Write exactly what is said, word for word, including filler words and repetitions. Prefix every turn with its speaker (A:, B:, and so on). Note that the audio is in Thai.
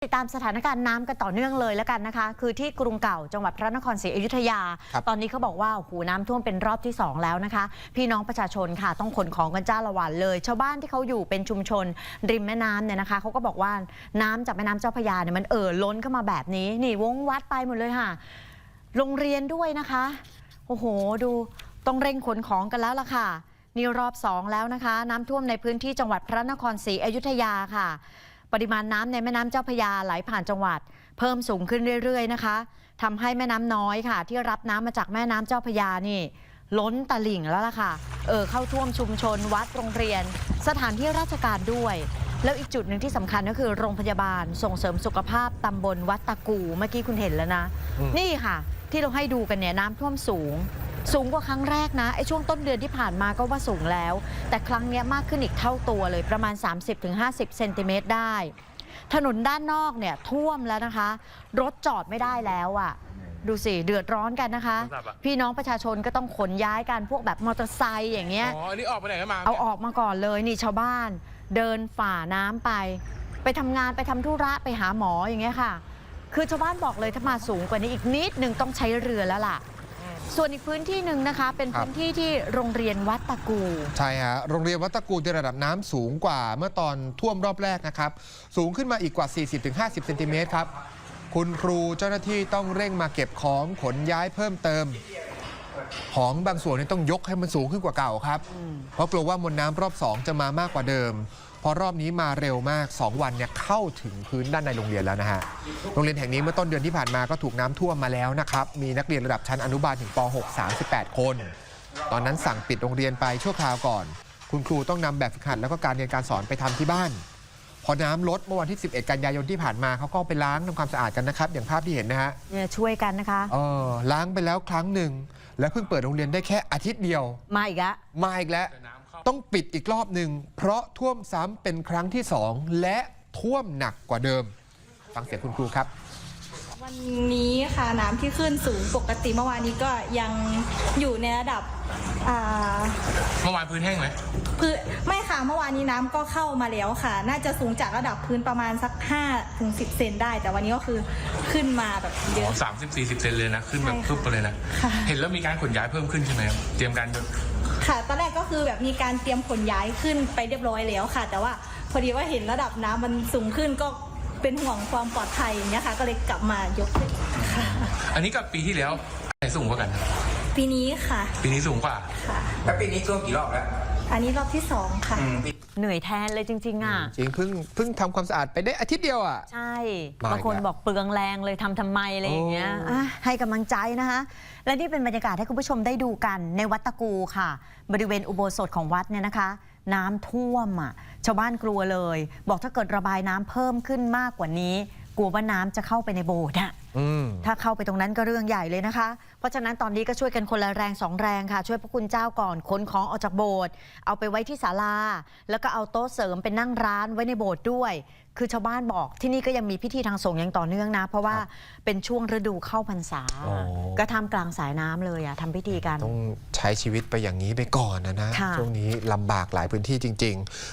A: ติดตามสถานการณ์น้ำกันต่อเนื่องเลยแล้วกันนะคะคือที่กรุงเก่าจังหวัดพระนครศรีอยุธยาตอนนี้เขาบอกว่าโอ้โหน้ำท่วมเป็นรอบที่สองแล้วนะคะพี่น้องประชาชนค่ะต้องขนของกันจ้าละวันเลยชาวบ้านที่เขาอยู่เป็นชุมชนริมแม่น้ำเนี่ยนะคะเขาก็บอกว่าน้ำจากแม่น้ำเจ้าพระยาเนี่ยมันเอ่อล้นเข้ามาแบบนี้นี่วงวัดไปหมดเลยค่ะโรงเรียนด้วยนะคะโอ้โหดูต้องเร่งขนของกันแล้วล่ะค่ะนี่รอบสองแล้วนะคะน้ำท่วมในพื้นที่จังหวัดพระนครศรีอยุธยาค่ะปริมาณน้ำในแม่น้ำเจ้าพระยาไหลผ่านจังหวัดเพิ่มสูงขึ้นเรื่อยๆนะคะทำให้แม่น้ำน้อยค่ะที่รับน้ำมาจากแม่น้ำเจ้าพระยานี่ล้นตลิ่งแล้วล่ะค่ะเออเข้าท่วมชุมชนวัดโรงเรียนสถานที่ราชการด้วยแล้วอีกจุดหนึ่งที่สำคัญก็คือโรงพยาบาลส่งเสริมสุขภาพตำบลวัดตะกูเมื่อกี้คุณเห็นแล้วนะนี่ค่ะที่เราให้ดูกันเนี่ยน้ำท่วมสูงสูงกว่าครั้งแรกนะไอ้ช่วงต้นเดือนที่ผ่านมาก็ว่าสูงแล้วแต่ครั้งนี้มากขึ้นอีกเท่าตัวเลยประมาณ สามสิบถึงห้าสิบ เซนติเมตรได้ถนนด้านนอกเนี่ยท่วมแล้วนะคะรถจอดไม่ได้แล้วอ่ะดูสิเดือดร้อนกันนะคะพี่น้องประชาชนก็ต้องขนย้ายกันพวกแบบมอเตอร์ไซค์อย่างเงี้ย
B: อ๋ออันนี้ออกไปไหนกันมา
A: เอาออกมาก่อนเลยนี่ชาวบ้านเดินฝ่าน้ำไปไปทำงานไปทำธุระไปหาหมออย่างเงี้ยค่ะคือชาวบ้านบอกเลยถ้ามาสูงกว่านี้อีกนิดนึงต้องใช้เรือแล้วล่ะส่วนอีกพื้นที่หนึ่งนะคะเป็นพื้นที่ที่โรงเรียนวัดตะกู
C: ใช่ฮะโรงเรียนวัดตะกูในระดับน้ำสูงกว่าเมื่อตอนท่วมรอบแรกนะครับสูงขึ้นมาอีกกว่า สี่สิบถึงห้าสิบ เซนติเมตรครับคุณครูเจ้าหน้าที่ต้องเร่งมาเก็บของขนย้ายเพิ่มเติมของบางส่วนนี่ต้องยกให้มันสูงขึ้นกว่าเก่าครับเพราะกลัวว่ามวลน้ำรอบสองจะมามากกว่าเดิมเพราะรอบนี้มาเร็วมากสองวันเนี่ยเข้าถึงพื้นด้านในโรงเรียนแล้วนะฮะโรงเรียนแห่งนี้เมื่อต้นเดือนที่ผ่านมาก็ถูกน้ำท่วมมาแล้วนะครับมีนักเรียนระดับชั้นอนุบาลถึงป หก สามสิบแปด คนตอนนั้นสั่งปิดโรงเรียนไปชั่วคราวก่อนคุณครูต้องนำแบบฝึกหัดแล้วก็การเรียนการสอนไปทำที่บ้านพอน้ำลดเมื่อวันที่สิบเอ็ดกันยายนที่ผ่านมาเขาก็ไปล้างทำความสะอาดกันนะครับอย่างภาพที่เห็นนะฮะ
A: เนี่ยช่วยกันนะคะ
C: เออล้างไปแล้วครั้งหนึ่งและเพิ่งเปิดโรงเรียนได้แค่อาทิตย์เดียว
A: มาอีกแล้ว
C: มาอีกแล้วต้องปิดอีกรอบหนึ่งเพราะท่วมซ้ำเป็นครั้งที่สองและท่วมหนักกว่าเดิมฟังเสียงคุณครูครับ
D: วันนี้ค่ะน้ำที่ขึ้นสูงปกติเมื่อวานนี้ก็ยังอยู่ในระดับ
B: เมื่อวานพื้นแห้งไหม
D: พื้นไม่ค่ะเมื่อวานนี้น้ำก็เข้ามาแล้วค่ะน่าจะสูงจากระดับพื้นประมาณสักห้าถึงสิบเซนได้แต่วันนี้ก็คือขึ้นมาแบบเยอะ
B: สามสิบสี่สิบเซนเลยนะขึ้นแบบพึบไปเลยนะเห็นแล้วมีการขนย้ายเพิ่มขึ้นใช่ไหมครับเตรียมการ
D: ค่ะตอนแรกก็คือแบบมีการเตรียมขนย้ายขึ้นไปเรียบร้อยแล้วค่ะแต่ว่าพอดีว่าเห็นระดับน้ำมันสูงขึ้นก็เป็นห่วงความปลอดภัยอย่างเงี้ยค่ะก็เลยกลับมายกค่ะ
B: อันนี้กับปีที่แล้วไหนสูงกว่ากัน
D: ปีนี้ค่ะ
B: ปีนี้สูงกว่า
D: ค่ะ
E: แล้วปีนี้ท่วมกี่รอบแล้ว
D: อันนี้รอบที่สองค่ะ
A: เหนื่อยแทนเลยจริงๆอ่ะ
C: จริงเพิ่งเพิ่งทำความสะอาดไปได้อาทิตย์เดียวอ่ะ
A: ใช่บางคนบอกเปลืองแรงเลยทำทำไมอะไรอย่างเงี้ยให้กำลังใจนะคะและนี่เป็นบรรยากาศให้คุณผู้ชมได้ดูกันในวัดตะกูค่ะบริเวณอุโบสถของวัดเนี่ยนะคะน้ำท่วมอ่ะชาวบ้านกลัวเลยบอกถ้าเกิดระบายน้ำเพิ่มขึ้นมากกว่านี้กลัวว่าน้ำจะเข้าไปในโบสถ์อ่ะถ้าเข้าไปตรงนั้นก็เรื่องใหญ่เลยนะคะเพราะฉะนั้นตอนนี้ก็ช่วยกันคนละแรงสองแรงค่ะช่วยพระคุณเจ้าก่อนขนของออกจากโบสถ์เอาไปไว้ที่ศาลาแล้วก็เอาโต๊ะเสริมเป็นนั่งร้านไว้ในโบสถ์ด้วยคือชาวบ้านบอกที่นี่ก็ยังมีพิธีทางสงฆ์อย่างต่อเนื่องนะเพราะว่าเป็นช่วงฤดูเข้าพรรษาก็ทำกลางสายน้ำเลยอ่ะทำพิธีกัน
C: ต้องใช้ชีวิตไปอย่างนี้ไปก่อนนะนะช่วงนี้ลำบากหลายพื้นที่จริงๆ